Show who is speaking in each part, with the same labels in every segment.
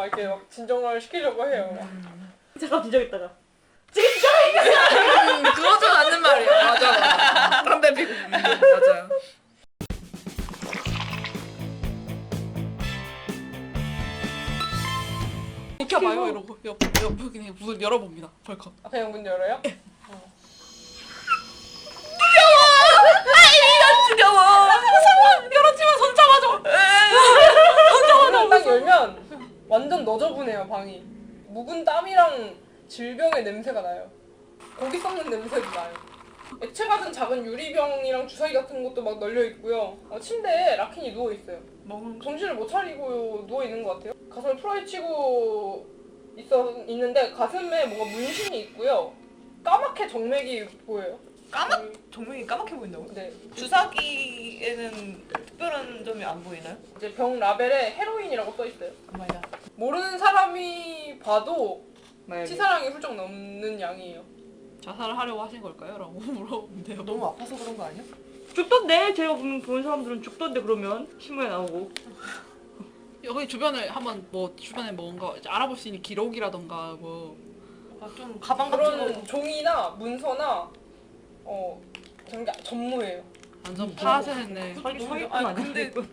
Speaker 1: 막 이렇게 막 진정을 시키려고 해요.
Speaker 2: 잠깐 진정했다가
Speaker 3: 그거죠 맞는 말이야. 맞아. 담배 피고. 맞아요. 비켜봐요 이러고 옆 그냥 문을 열어봅니다. 벌컥.
Speaker 1: 아, 그냥 문 열어요?
Speaker 3: 지겨워. 열었지만 손 잡아줘.
Speaker 1: 문을 딱 열면 완전 너저분해요 방이. 묵은 땀이랑 질병의 냄새가 나요. 고기 썩는 냄새도 나요. 액체 같은 작은 유리병이랑 주사기 같은 것도 막 널려 있고요. 침대에 라킨이 누워 있어요. 정신을 못 차리고 누워 있는 것 같아요. 가슴을 풀어헤치고 있는데 가슴에 뭔가 문신이 있고요. 까맣게 정맥이 보여요.
Speaker 4: 정맥이 까맣게 보인다고요?
Speaker 1: 네.
Speaker 4: 주사기에는 특별한 점이 안 보이나요?
Speaker 1: 이제 병 라벨에 헤로인이라고 써 있어요.
Speaker 4: 오마이갓.
Speaker 1: 모르는 사람이 봐도
Speaker 2: 만약에
Speaker 1: 치사량이 훌쩍 넘는 양이에요.
Speaker 3: 자살을 하려고 하신 걸까요? 라고 물어보는데요.
Speaker 4: 너무 아파서 그런 거 아니야?
Speaker 2: 죽던데 제가 본 사람들은 죽던데 그러면 신문에 나오고
Speaker 3: 여기 주변을 한번 주변에 뭔가 이제 알아볼 수 있는 기록이라던가
Speaker 4: 좀 가방 같은 거.
Speaker 1: 그런 종이나 문서나 그런 게 전무해요.
Speaker 3: 완전 파쇄했네.
Speaker 2: 사기꾼
Speaker 4: 아니,
Speaker 2: 아니야?
Speaker 4: 근데-
Speaker 2: 사기꾼.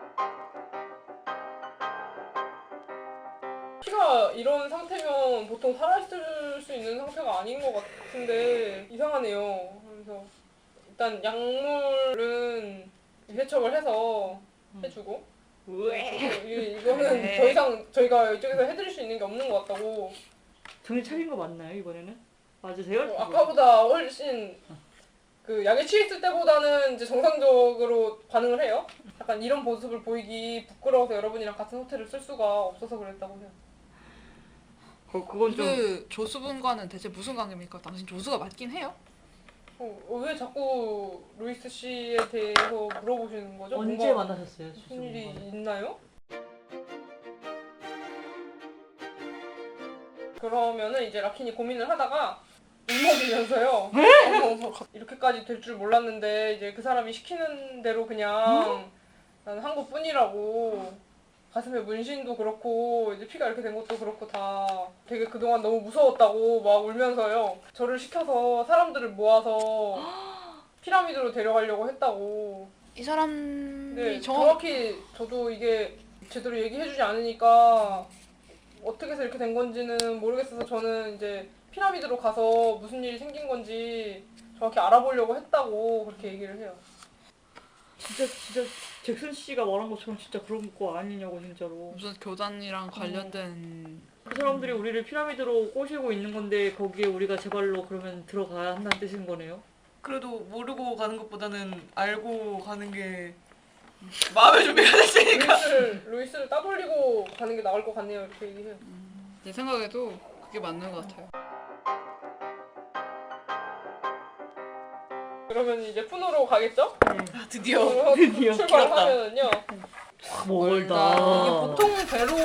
Speaker 1: 피가 이런 상태면 보통 살아있을 수 있는 상태가 아닌 것 같은데 이상하네요. 그래서 일단 약물은 세척을 해서 해주고 이거는
Speaker 4: 네.
Speaker 1: 더 이상 저희가 이쪽에서 해드릴 수 있는 게 없는 것 같다고.
Speaker 2: 정신 차린 거 맞나요 이번에는? 맞으세요?
Speaker 1: 아까보다 훨씬 그 약에 취했을 때보다는 이제 정상적으로 반응을 해요. 약간 이런 모습을 보이기 부끄러워서 여러분이랑 같은 호텔을 쓸 수가 없어서 그랬다고 해요.
Speaker 2: 그건 좀
Speaker 3: 그 조수분과는 대체 무슨 관계입니까? 당신 조수가 맞긴 해요?
Speaker 1: 왜 자꾸 루이스 씨에 대해서 물어보시는 거죠?
Speaker 2: 언제
Speaker 1: 뭔가
Speaker 2: 만나셨어요?
Speaker 1: 무슨 일이 있나요? 그러면은 이제 라킨이 고민을 하다가 울먹이면서요. 이렇게까지 될 줄 몰랐는데 이제 그 사람이 시키는 대로 그냥 나는 한 것뿐이라고. 가슴에 문신도 그렇고 이제 피가 이렇게 된 것도 그렇고 다 되게 그동안 너무 무서웠다고 막 울면서요. 저를 시켜서 사람들을 모아서 피라미드로 데려가려고 했다고.
Speaker 3: 이 사람이
Speaker 1: 네, 정확히 저도 이게 제대로 얘기해주지 않으니까 어떻게 해서 이렇게 된 건지는 모르겠어서 저는 이제 피라미드로 가서 무슨 일이 생긴 건지 정확히 알아보려고 했다고 그렇게 얘기를 해요.
Speaker 2: 진짜 잭슨 씨가 말한 것처럼 진짜 그런 거 아니냐고 진짜로.
Speaker 3: 무슨 교단이랑 관련된
Speaker 2: 그 사람들이 우리를 피라미드로 꼬시고 있는 건데 거기에 우리가 제 발로 그러면 들어가야 한다는 뜻인 거네요?
Speaker 4: 그래도 모르고 가는 것보다는 알고 가는 게 마음의 준비가 됐으니까.
Speaker 1: 루이스를 따돌리고 가는 게 나을 것 같네요. 이렇게 얘기해요.
Speaker 3: 내 생각에도 그게 맞는 것 같아요.
Speaker 1: 그러면 이제 푸노로 가겠죠?
Speaker 2: 네.
Speaker 4: 드디어.
Speaker 2: 드디어.
Speaker 1: 출발하면은요.
Speaker 2: 멀다.
Speaker 1: 이게 보통 배로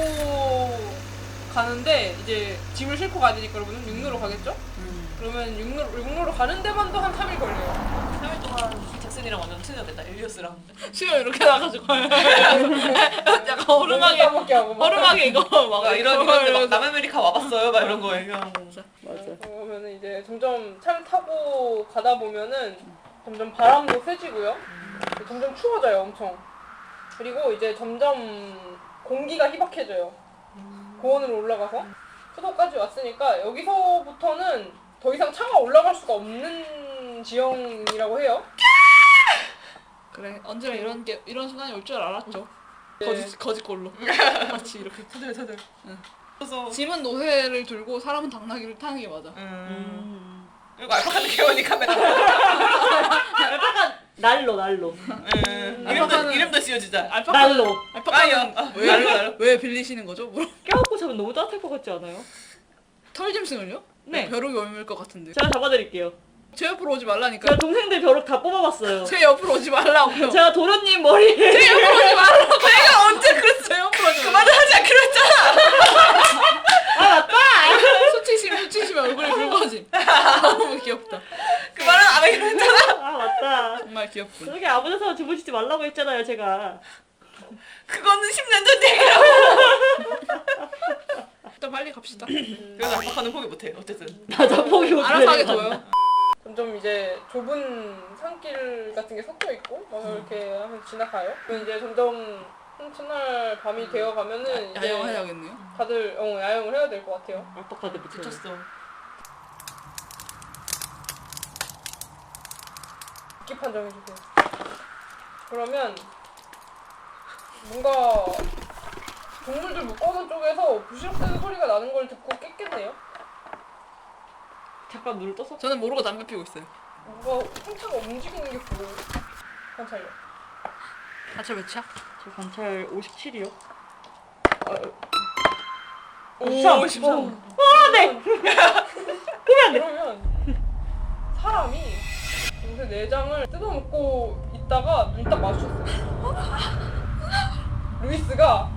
Speaker 1: 가는데 이제 짐을 싣고 가야 되니까 여러분은 육로로 가겠죠? 그러면 육로로 가는 데만도 한 3일 걸려요.
Speaker 4: 3일 동안 잭슨이랑 완전 친해졌다. 엘리어스랑.
Speaker 3: 수영 이렇게 나가지고 약간 얼음하게
Speaker 1: 따먹게 하고 막.
Speaker 3: 얼음하게 이거 막
Speaker 4: 이런 막 남아메리카 와봤어요. 막 이런 거 얘기하고.
Speaker 2: 맞아.
Speaker 1: 그러면은 이제 점점 차를 타고 가다 보면은 점점 바람도 세지고요. 점점 추워져요, 엄청. 그리고 이제 점점 공기가 희박해져요. 고원으로 올라가서 수도까지 왔으니까 여기서부터는 더 이상 차가 올라갈 수가 없는 지형이라고 해요.
Speaker 3: 그래 언제나 이런 순간이 올 줄 알았죠.
Speaker 1: 네.
Speaker 3: 거짓골로 마치 이렇게
Speaker 4: 서들.
Speaker 3: 응.
Speaker 4: 그래서
Speaker 3: 짐은 노새를 들고 사람은 당나귀를 타는 게 맞아.
Speaker 4: 그리고 알파카는 개원이 카메라.
Speaker 2: 약간 날로.
Speaker 4: 이름도 지어주자.
Speaker 2: 날로.
Speaker 3: 알파카는 왜
Speaker 4: 날로.
Speaker 3: 왜 빌리시는 거죠?
Speaker 2: 껴안고 자면 너무 따뜻할 것 같지 않아요?
Speaker 3: 털짐승을요?
Speaker 2: 네.
Speaker 3: 벼룩이 옮을 것 같은데.
Speaker 2: 제가 잡아드릴게요.
Speaker 3: 제 옆으로 오지 말라니까.
Speaker 2: 제가 동생들 벼룩 다 뽑아봤어요.
Speaker 3: 제 옆으로 오지 말라고요.
Speaker 2: 제가 도련님 머리에
Speaker 3: 제 옆으로 오지 말라고. 내가 언제 그랬어? 제 옆으로 오지 말라고.
Speaker 4: 그만을 하지 않기로 했잖아.
Speaker 2: 아 맞다!
Speaker 3: 수치시면 얼굴이 붉어짐. 너무 귀엽다.
Speaker 4: 그 말은 안 하기로 했잖아.
Speaker 2: 아 맞다.
Speaker 3: 정말 귀엽군.
Speaker 2: 저기 아무 데서 주무시지 말라고 했잖아요 제가.
Speaker 4: 그거는 10년 전 얘기라고.
Speaker 3: 봅시다.
Speaker 4: 그래서 압박하는 포기 못해. 어쨌든.
Speaker 2: 맞아 포기 못해.
Speaker 3: 알아서 하게 둬요.
Speaker 1: 점점 이제 좁은 산길 같은 게 섞여 있고 막 이렇게 하면 지나가요. 그럼 이제 점점 첫날 밤이 되어 가면은 이제
Speaker 3: 야영해야겠네요.
Speaker 1: 다들 야영을 해야 될 것 같아요.
Speaker 2: 압박하대 붙여.
Speaker 4: 미쳤어.
Speaker 1: 깊이 판정해주세요. 그러면 뭔가 동물들 묶어놓은 쪽에서 부시럭대는 소리가 나는 걸 듣고 깼겠네요.
Speaker 2: 잠깐 눈을 떴어.
Speaker 3: 저는 모르고 담배 피우고 있어요.
Speaker 1: 뭔가 상처가 움직이는 게 보여요. 관찰력.
Speaker 3: 아차 몇이야?
Speaker 2: 저 관찰 57이요.
Speaker 4: 오, 13.
Speaker 2: 아 네.
Speaker 1: 그러면 사람이 요새 내장을 뜯어먹고 있다가 눈 딱 마주쳤어요. 루이스가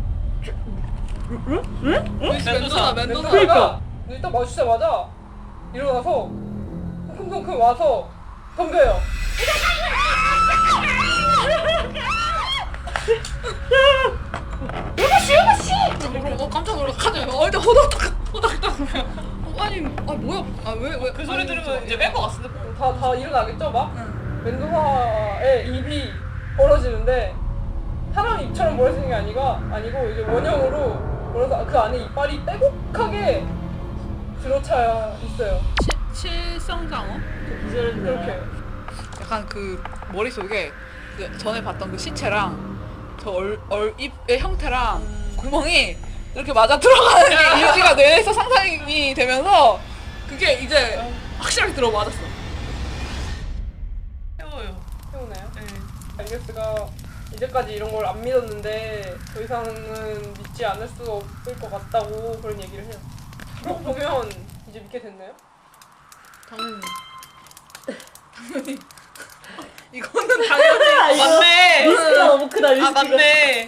Speaker 3: 루이스 멘도사.
Speaker 1: 멘도사가 눈이 딱 마주치자마자 일어나서 쿵쿵쿵 와서 덤벼요.
Speaker 3: 깜짝 놀라카죠. 얼굴 호닥닥. 아니 뭐야? 왜
Speaker 4: 그 소리 들으면 이제 뺄 것 같은데.
Speaker 1: 다 일어나겠죠 막? 멘도사의 입이 벌어지는데 사람 입처럼 벌어지는 게 아니고 이제 원형으로 벌어서 그 안에 이빨이 빼곡하게 들어차 있어요.
Speaker 3: 칠성장어?
Speaker 2: 기절했네.
Speaker 1: 그렇게.
Speaker 3: 약간 그 머릿속에 그 전에 봤던 그 시체랑 저 입의 형태랑 구멍이 이렇게 맞아 들어가는 게 이미지가 뇌에서 상상이 되면서 그게 이제 확실하게 들어맞았어.
Speaker 4: 해워요.
Speaker 1: 해오나요?
Speaker 4: 네.
Speaker 1: 알게스가 이제까지 이런 걸 안 믿었는데 더 이상은 믿지 않을 수 없을 것 같다고 그런 얘기를 해요. 그러고 보면 이제 믿게 됐나요?
Speaker 3: 당연히 이거는 당연히
Speaker 2: 아, 이거
Speaker 4: 맞네.
Speaker 2: 리스크가 너무 크다
Speaker 4: 아,
Speaker 2: 리스크가.
Speaker 4: 맞네.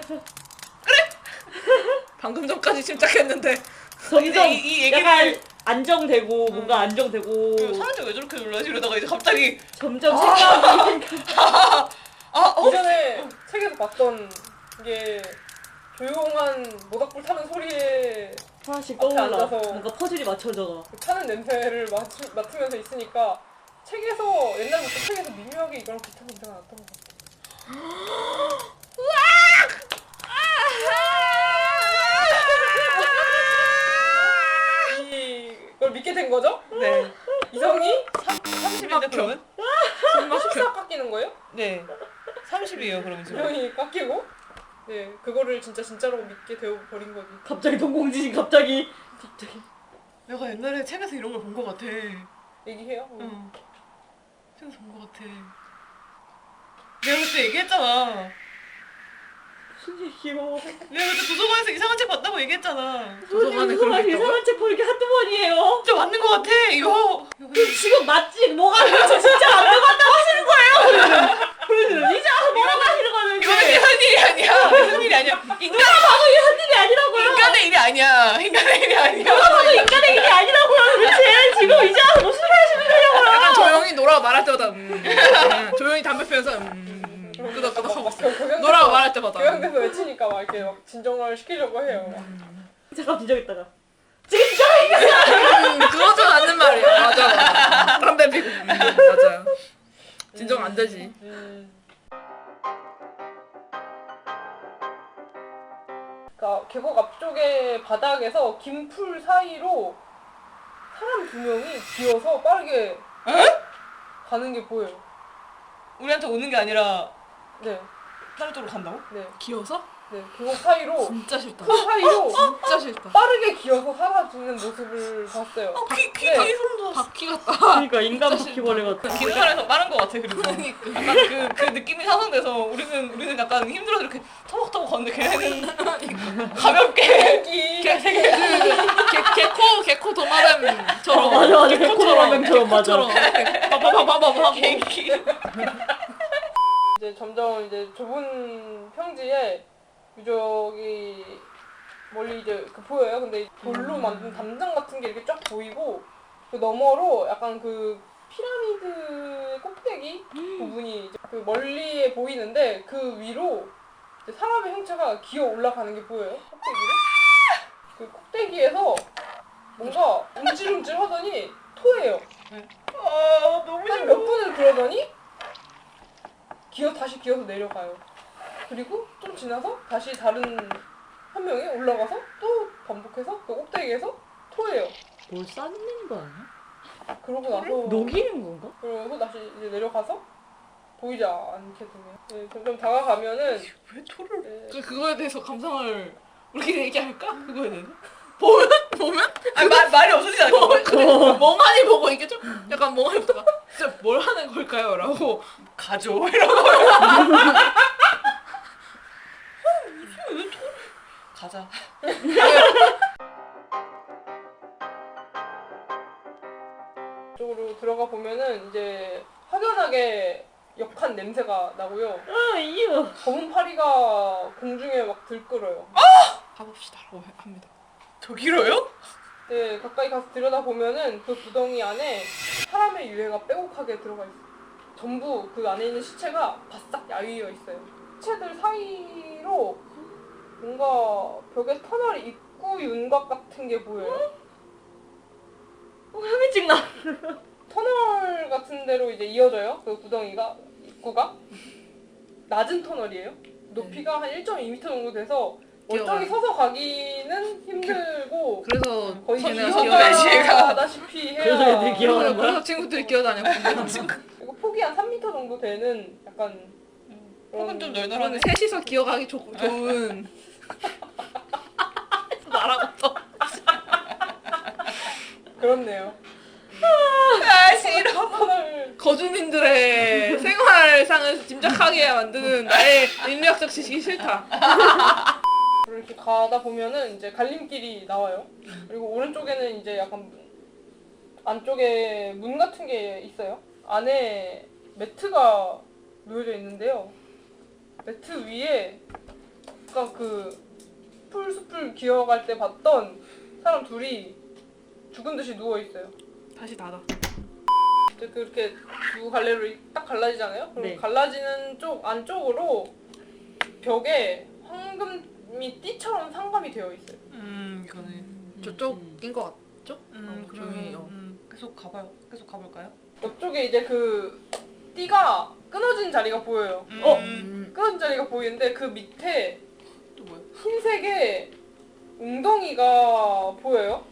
Speaker 3: 방금 전까지 침착했는데
Speaker 2: 거기서
Speaker 4: 이 얘기를
Speaker 2: 약간 안정되고 뭔가 안정되고
Speaker 4: 사람들 왜 저렇게 놀라지? 이러다가 이제 갑자기
Speaker 2: 점점 생각이
Speaker 1: 이전에 책에서 봤던 게 조용한 모닥불 타는 소리에
Speaker 2: 하나씩
Speaker 1: 앞에
Speaker 2: 떠올라.
Speaker 1: 앉아서
Speaker 2: 뭔가 퍼즐이 맞춰져가.
Speaker 1: 그 타는 냄새를 맡으면서 있으니까 책에서 옛날부터 책에서 미묘하게 이거랑 비슷한 냄새가 났던 것 같아요. 이걸 믿게 된 거죠?
Speaker 4: 네.
Speaker 1: 이성이
Speaker 4: 30인데 그러면?
Speaker 1: 14 깎이는 거예요?
Speaker 4: 네. 30이에요 그러면 지금.
Speaker 1: 이성이 깎이고 네 그거를 진짜로 믿게 되어 버린 거지.
Speaker 2: 갑자기 동공지진 갑자기.
Speaker 4: 내가 옛날에 책에서 이런 걸 본 것 같아.
Speaker 1: 얘기해요?
Speaker 4: 응. 책에서 본 것 같아. 내가 그때 얘기했잖아.
Speaker 2: 무슨 얘기요?
Speaker 4: 내가 그때 도서관에서 이상한 책 봤다고 얘기했잖아.
Speaker 3: 도서관에 그런 게 있다고?
Speaker 2: 이상한 책 보는 게 한두 번이에요.
Speaker 4: 진짜 맞는 것 같아 이거.
Speaker 2: 지금 맞지? 뭐가 그렇죠? 진짜 안 맞다고 하시는 거예요? 그러면 이제 뭐라고 하시는 거는
Speaker 4: 이거는 이런 일이 아니야. 무슨 일이 아니야. 인간
Speaker 2: 바로 이런 일이 아니라고요.
Speaker 4: 인간의 일이 아니야. 인간의 일이 아니야.
Speaker 2: 바로 인간의 일이 아니라고요. 도대체 지금 이제 와서 무슨 소리 하시는 거냐고요.
Speaker 3: 약간 조용히 노라고 말할 때마다 조용히 담배 피면서 끄덕끄덕 하고 있어. 노라고 말할 때마다
Speaker 1: 교양돼서 외치니까 막 이렇게 막 진정을 시키려고 해요.
Speaker 2: 잠깐 진정했다가 지금 진정해.
Speaker 3: 그거죠 맞는 말이야. 맞아. 담배 피고 맞아요. 진정 안 되지.
Speaker 1: 그러니까 계곡 앞쪽의 바닥에서 긴 풀 사이로 사람 2명이 기어서 빠르게 가는 게 보여요.
Speaker 4: 우리한테 오는 게 아니라
Speaker 1: 네,
Speaker 4: 다른 쪽으로 간다고?
Speaker 1: 네,
Speaker 3: 기어서?
Speaker 1: 네. 계곡 사이로
Speaker 3: 진짜 싫다.
Speaker 1: 풀 사이로
Speaker 3: 진짜 싫다.
Speaker 1: 빠르게 기어서 사라지는 모습을 봤어요.
Speaker 4: 귀
Speaker 1: 네.
Speaker 4: 소름 돋았어.
Speaker 3: 바퀴 같다.
Speaker 2: 그러니까 인간 바퀴벌레 같아.
Speaker 4: 기름판에서 빠른 것 같아 그리고. 약간 그 느낌이 상상돼서 우리는 약간 힘들어서 이렇게 터벅터벅 걷는데 걔네는 가볍게
Speaker 1: 여기
Speaker 3: 개코 도마뱀처럼.
Speaker 2: 맞아. 개코도마뱀처럼 맞아.
Speaker 3: 빠바바바바바 하고.
Speaker 4: 개인기.
Speaker 1: 이제 점점 이제 좁은 평지에 유적이 멀리 이제 그 보여요. 근데 돌로 만든 담장 같은 게 이렇게 쫙 보이고 그 너머로 약간 그 피라미드 꼭대기 부분이 이제 그 멀리에 보이는데 그 위로 이제 사람의 형체가 기어 올라가는 게 보여요. 꼭대기를. 그 꼭대기에서 뭔가 움찔움찔 하더니 토해요.
Speaker 4: 아 너무
Speaker 1: 한 몇 분을 그러더니 다시 기어서 내려가요. 그리고 좀 지나서 다시 다른 한 명이 올라가서 또 반복해서 그 꼭대기에서 토해요.
Speaker 2: 뭘 쌓는 거 아니야?
Speaker 1: 그러고 나서
Speaker 2: 녹이는 건가?
Speaker 1: 그러고 다시 이제 내려가서 보이지 않게 되네요. 네, 점점 다가가면은
Speaker 4: 왜 토를?
Speaker 1: 네,
Speaker 3: 그거에 대해서 감상을 우리끼리 얘기할까? 그거에 대해서? 보면
Speaker 4: 아니 말이 없어지지 않을 것 같아.
Speaker 3: 멍하니 보고 이게 좀 약간 멍하니 보다가 진짜 뭘 하는 걸까요? 라고
Speaker 4: 가죠 이러고. 가자.
Speaker 1: 쪽으로 들어가 보면은 이제 확연하게 역한 냄새가 나고요.
Speaker 2: 이유.
Speaker 1: 검은 파리가 공중에 막 들끓어요.
Speaker 3: 가봅시다 라고 합니다.
Speaker 4: 저기로요?
Speaker 1: 네, 가까이 가서 들여다보면은 그 구덩이 안에 사람의 유해가 빼곡하게 들어가 있어요. 전부 그 안에 있는 시체가 바싹 야위어 있어요. 시체들 사이로 뭔가 벽에 터널 입구 윤곽 같은 게 보여요.
Speaker 2: 혐의증 나.
Speaker 1: 터널 같은 데로 이제 이어져요. 그 구덩이가 입구가 낮은 터널이에요. 높이가 한 1.2m 정도 돼서 멀쩡히
Speaker 3: 뛰어가요.
Speaker 1: 서서 가기는 힘들고
Speaker 3: 그래서
Speaker 1: 거의
Speaker 3: 걔네가
Speaker 1: 기어가다시피 해야.
Speaker 2: 그래서 애들이 기어가는 거야?
Speaker 3: 그래서 친구들이 기어다녔고
Speaker 1: 이거 폭이 한 3m 정도 되는 약간
Speaker 4: 폭은 좀
Speaker 3: 저는
Speaker 4: 널널하네.
Speaker 3: 셋이서 기어가기 좋은 나라부터
Speaker 1: 그렇네요.
Speaker 4: 아 싫어.
Speaker 1: 터널
Speaker 3: 거주민들의 생활상을 짐작하게 만드는 나의 인류학적 지식이 싫다.
Speaker 1: 이렇게 가다 보면은 이제 갈림길이 나와요. 그리고 오른쪽에는 이제 약간 안쪽에 문 같은 게 있어요. 안에 매트가 놓여져 있는데요. 매트 위에 아까 그 풀숲을 기어갈 때 봤던 사람 둘이 죽은 듯이 누워 있어요.
Speaker 3: 다시 닫아.
Speaker 1: 이제 그렇게 두 갈래로 딱 갈라지잖아요. 그리고
Speaker 2: 네.
Speaker 1: 갈라지는 쪽 안쪽으로 벽에 황금이 띠처럼 상감이 되어 있어요.
Speaker 4: 이거네.
Speaker 3: 저쪽인 것 같죠?
Speaker 4: 그러면
Speaker 3: 조용히,
Speaker 4: 계속 가봐요. 계속 가볼까요?
Speaker 1: 옆쪽에 이제 그 띠가 끊어진 자리가 보여요. 끊어진 자리가 보이는데 그 밑에
Speaker 4: 또 뭐야?
Speaker 1: 흰색의 웅덩이가 보여요.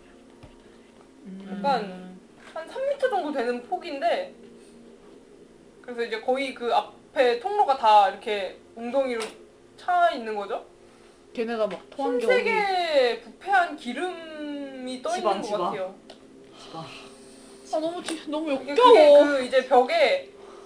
Speaker 1: 약간 한 3m 정도 되는 폭인데 그래서 이제 거의 그 앞에 통로가 다 이렇게 웅덩이로 차 있는 거죠.
Speaker 3: 걔네가 막 토한 게 어디
Speaker 1: 흰색의 부패한 기름이 떠 있는 것
Speaker 2: 지방.
Speaker 1: 같아요.
Speaker 3: 아 너무
Speaker 1: 이게
Speaker 3: 역겨워.
Speaker 1: 그 이제 벽에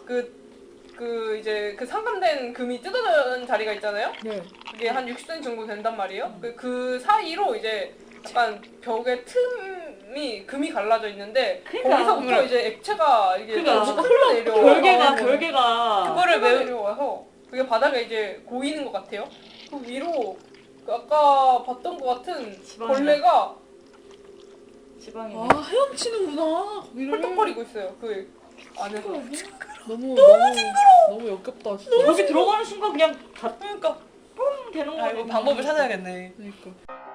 Speaker 1: 이제 그 상감된 금이 뜯어진 자리가 있잖아요.
Speaker 3: 네.
Speaker 1: 그게 한 60cm 정도 된단 말이에요. 그 사이로 이제 약간 벽에 틈이 금이 갈라져 있는데
Speaker 2: 그러니까.
Speaker 1: 거기서부터 이제 액체가 이게
Speaker 2: 그러니까.
Speaker 1: 흘러내려.
Speaker 2: 결계가
Speaker 1: 그거를 내려와서 그게 바닥에 이제 고이는 것 같아요. 그 위로 그 아까 봤던 것 같은
Speaker 2: 지방이네.
Speaker 1: 벌레가
Speaker 2: 지방이네.
Speaker 3: 아 헤엄치는구나. 거기를.
Speaker 1: 펄떡거리고 있어요. 그 안에서.
Speaker 3: 너무 역겹다 진짜.
Speaker 2: 여기 들어가는 순간 그냥 다
Speaker 4: 그러니까.
Speaker 2: 뻥 되는
Speaker 4: 아
Speaker 2: 거
Speaker 4: 이거 방법을 찾아야겠네.
Speaker 3: 그러니까.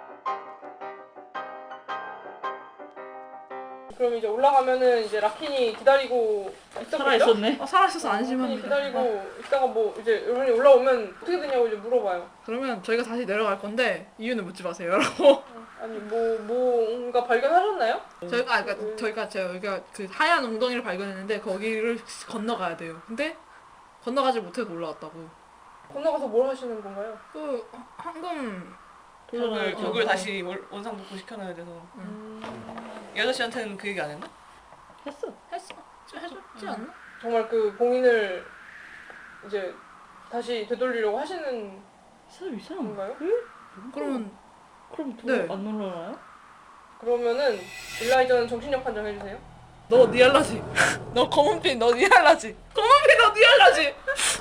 Speaker 1: 그럼 이제 올라가면은 이제 라킨이 기다리고 있었겠죠?
Speaker 2: 살아 있었네.
Speaker 3: 살아있어서
Speaker 1: 라킨이
Speaker 3: 안심합니다.
Speaker 1: 기다리고 있다가 뭐 이제 여러분이 올라오면 어떻게 되냐고 이제 물어봐요.
Speaker 3: 그러면 저희가 다시 내려갈 건데 이유는 묻지 마세요라고.
Speaker 1: 아니 뭔가 발견하셨나요?
Speaker 3: 저희가 여기가 그 하얀 웅덩이를 발견했는데 거기를 건너가야 돼요. 근데 건너가지 못해서 올라왔다고.
Speaker 1: 건너가서 뭘 하시는 건가요?
Speaker 3: 그 황금
Speaker 4: 벽을 다시 원상 복구 시켜놔야 돼서. 이 아저씨한테는 그 얘기 안 했나?
Speaker 2: 했어.
Speaker 3: 해줬지 않나?
Speaker 1: 정말 그 봉인을 이제 다시 되돌리려고 하시는
Speaker 2: 사람 이 사람.
Speaker 1: 건가요?
Speaker 3: 그러면
Speaker 2: 그럼
Speaker 3: 네.
Speaker 2: 안 놀라나요?
Speaker 1: 그러면은 일라이저는 정신력 판정 해주세요.
Speaker 3: 너 니알라지. 너 검은핀 너 니알라지. 검은핀 너 니알라지.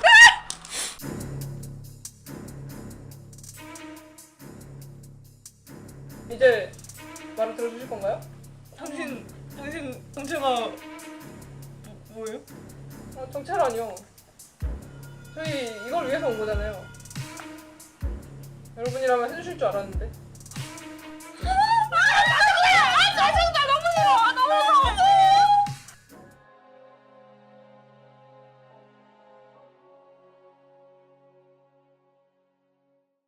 Speaker 1: 이제 말을 들어주실 건가요?
Speaker 4: 당신 정체가 뭐예요?
Speaker 1: 정체라니요. 저희 이걸 위해서 온 거잖아요. 여러분이라면 해주실 줄 알았는데.